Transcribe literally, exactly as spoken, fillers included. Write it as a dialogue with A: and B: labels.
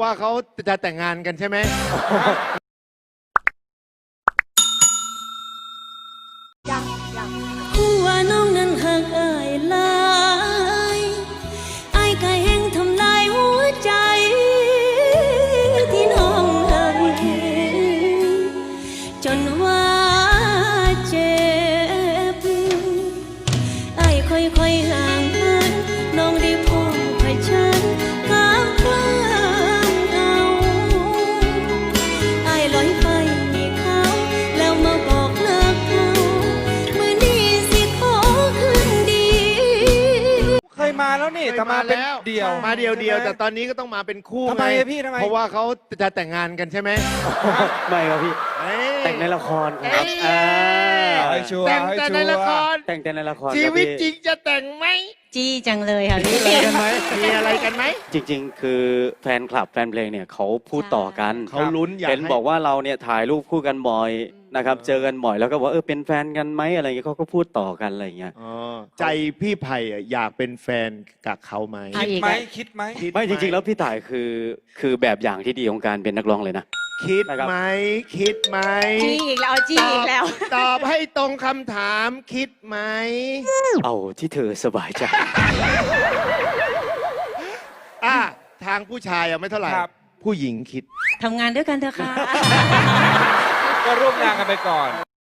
A: ว่าเขาจะแต่งงานกันใช่ไหม
B: ยังยังหัวน้องนั้นหักอายหลายอายก็แห่งทำลายหัวใจที่น้องหักจนว่าเจ็บอายค่อยๆห่างเหินน้องได้พบเผชิญกับความเหงาอายลอยไปมีเขาแล้วมาบอกเลิกเขามือนี้สิขอคืนดี
C: เคยมาแล้วนี่แต่มาเป็นเดี่ยว
A: มาเดียวเดียวแต่ตอนนี้ก็ต้องมาเป็นคู่
C: ทำไม
A: ง
C: อะพี่ทำไม
A: เพราะว่าเขาจะแต่งงานกันใช่ไหม
D: ไม่ครับพี่
A: เอ้ย
D: แต่งในละครครับ
A: เอ้ย
D: อ่า
C: ให้ชัวร์
A: แต่ง
C: ให้
A: แต่
C: ชั
A: ใน
C: ว
A: ละค
C: ร์
A: ร
D: แต่งแต่ในละคร
A: ชีวิต
D: ครับ
A: จ
D: พี่
A: ริงจะแต่งไหม
B: จี้จังเลยค่ะพี่
A: มีอะไรกันไหมมีอะไรกันไหม
D: จริง ๆ คือแฟนคลับแฟนเพลงเนี่ยเขาพูดต่อกัน
A: เขาลุ้นอยาก
D: เห็น
A: ให้
D: บอกว่าเราเนี่ยถ่ายรูปคู่กันบ่อยนะครับเจอกันบ่อยแล้วก็บอกเออเป็นแฟนกันไหมอะไรเงี้ยเขาก็พูดต่อกันอะไรเงี้ย
A: อ๋อใจพี่ไผ่อะอยากเป็นแฟนกับเขาไหม
B: อ่ะ
C: คิดไหมคิดไหม
A: คิด
D: ไม่จริง ๆ แล้วพี่ต่ายคือคือแบบอย่างที่ดีของการเป็นนักร้องเลยนะ
A: คิด
D: นะครับ
A: ไหมคิดไหม
B: จี้อีกแล้วจี้อีกแล้ว
A: ตอบให้ตรงคำถามคิดไหม
D: เอาที่เธอสบายใจ
A: อ่ะทางผู้ชายอะไม่เท่าไหร่
C: ครับ
A: ผู้หญิงคิด
B: ทำงานด้วยกันเถอะค่ะ
C: ก็ร่วมงานกันไปก่อน